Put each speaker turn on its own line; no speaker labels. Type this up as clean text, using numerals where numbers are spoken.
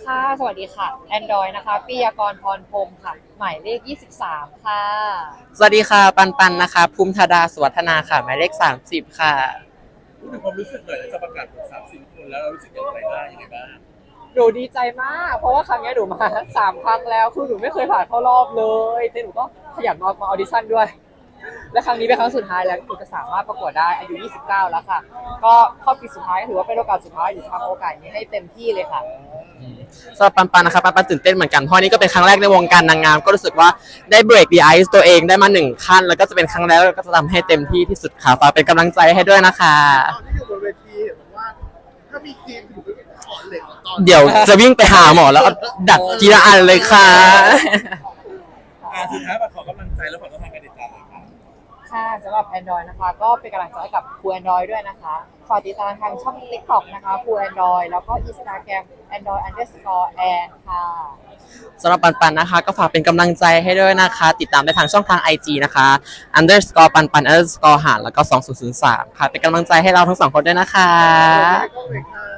ค่ะสวัสดีค่ะ Android นะคะปิยากรพรพรหมค่ะหมายเลข23ค่ะ
สวัสดีค่ะปันนะคะภูมิธดาสวัฒนาค่ะหมายเลข30ค่ะ
พูดถึงความรู้สึกหน่อยแล้วจะประกาศผล30 คนแล้วเรารู้สึกอย่างไรบ้างยังไงบ้าง
หนูดีใจมาก เพราะว่าครั้งนี้หนูมา3 ครั้งแล้วคือหนูไม่เคยผ่านเข้ารอบเลยแต่หนูก็ขยันมาออดิชั่นด้วย และครั้งนี้เป็นครั้งสุดท้ายแล้วที่หนูจะสามารถประกวดได้อายุ29แล้วค่ะก็เข้าปีสุดท้ายก็ถือว่าเป็นโอกาสสุดท้ายหนูทำโอกาสนี้ให้เต็มที่เลยค่ะ
สำหรับปันนะคะปันตื่นเต้นเหมือนกันเพราะนี่ก็เป็นครั้งแรกในวงการนางงามก็รู้สึกว่าได้เบรกดีไอซ์ตัวเองได้มา1 ขั้นแล้วก็จะเป็นครั้งแรกแล้วก็จะทำให้เต็มที่ที่สุดค่ะฝากเป็นกำลังใจให้ด้วยนะคะ
ตอนที่อยู่บนเวทีเห็นบอกว่าถ้ามีครีมอยู่ก็ถอนเหล็กตอน
เดี๋ยวจะวิ่งไปหาหมอแล้วเอาดัดทีละอันเลยค่ะ
สุดท้ายมาขอกำลังใจแล้วขอต้องทางการติดตามหน่อยครับ
ค่ะสำหรับ Android นะคะก็เป็นกำลังใจให้กับครู Android ด้วยนะคะฝากติดตามทางช่อง TikTok นะคะครู Android แล้วก็ Instagram Android_and ค่ะ
สำหรับปันนะคะก็ฝากเป็นกำลังใจให้ด้วยนะคะติดตามได้ทางช่องทาง IG นะคะ _ปัน__หารแล้วก็2003ค่ะเป็นกำลังใจให้เราทั้ง2 คนด้วยนะคะ
ก็เลยค่ะ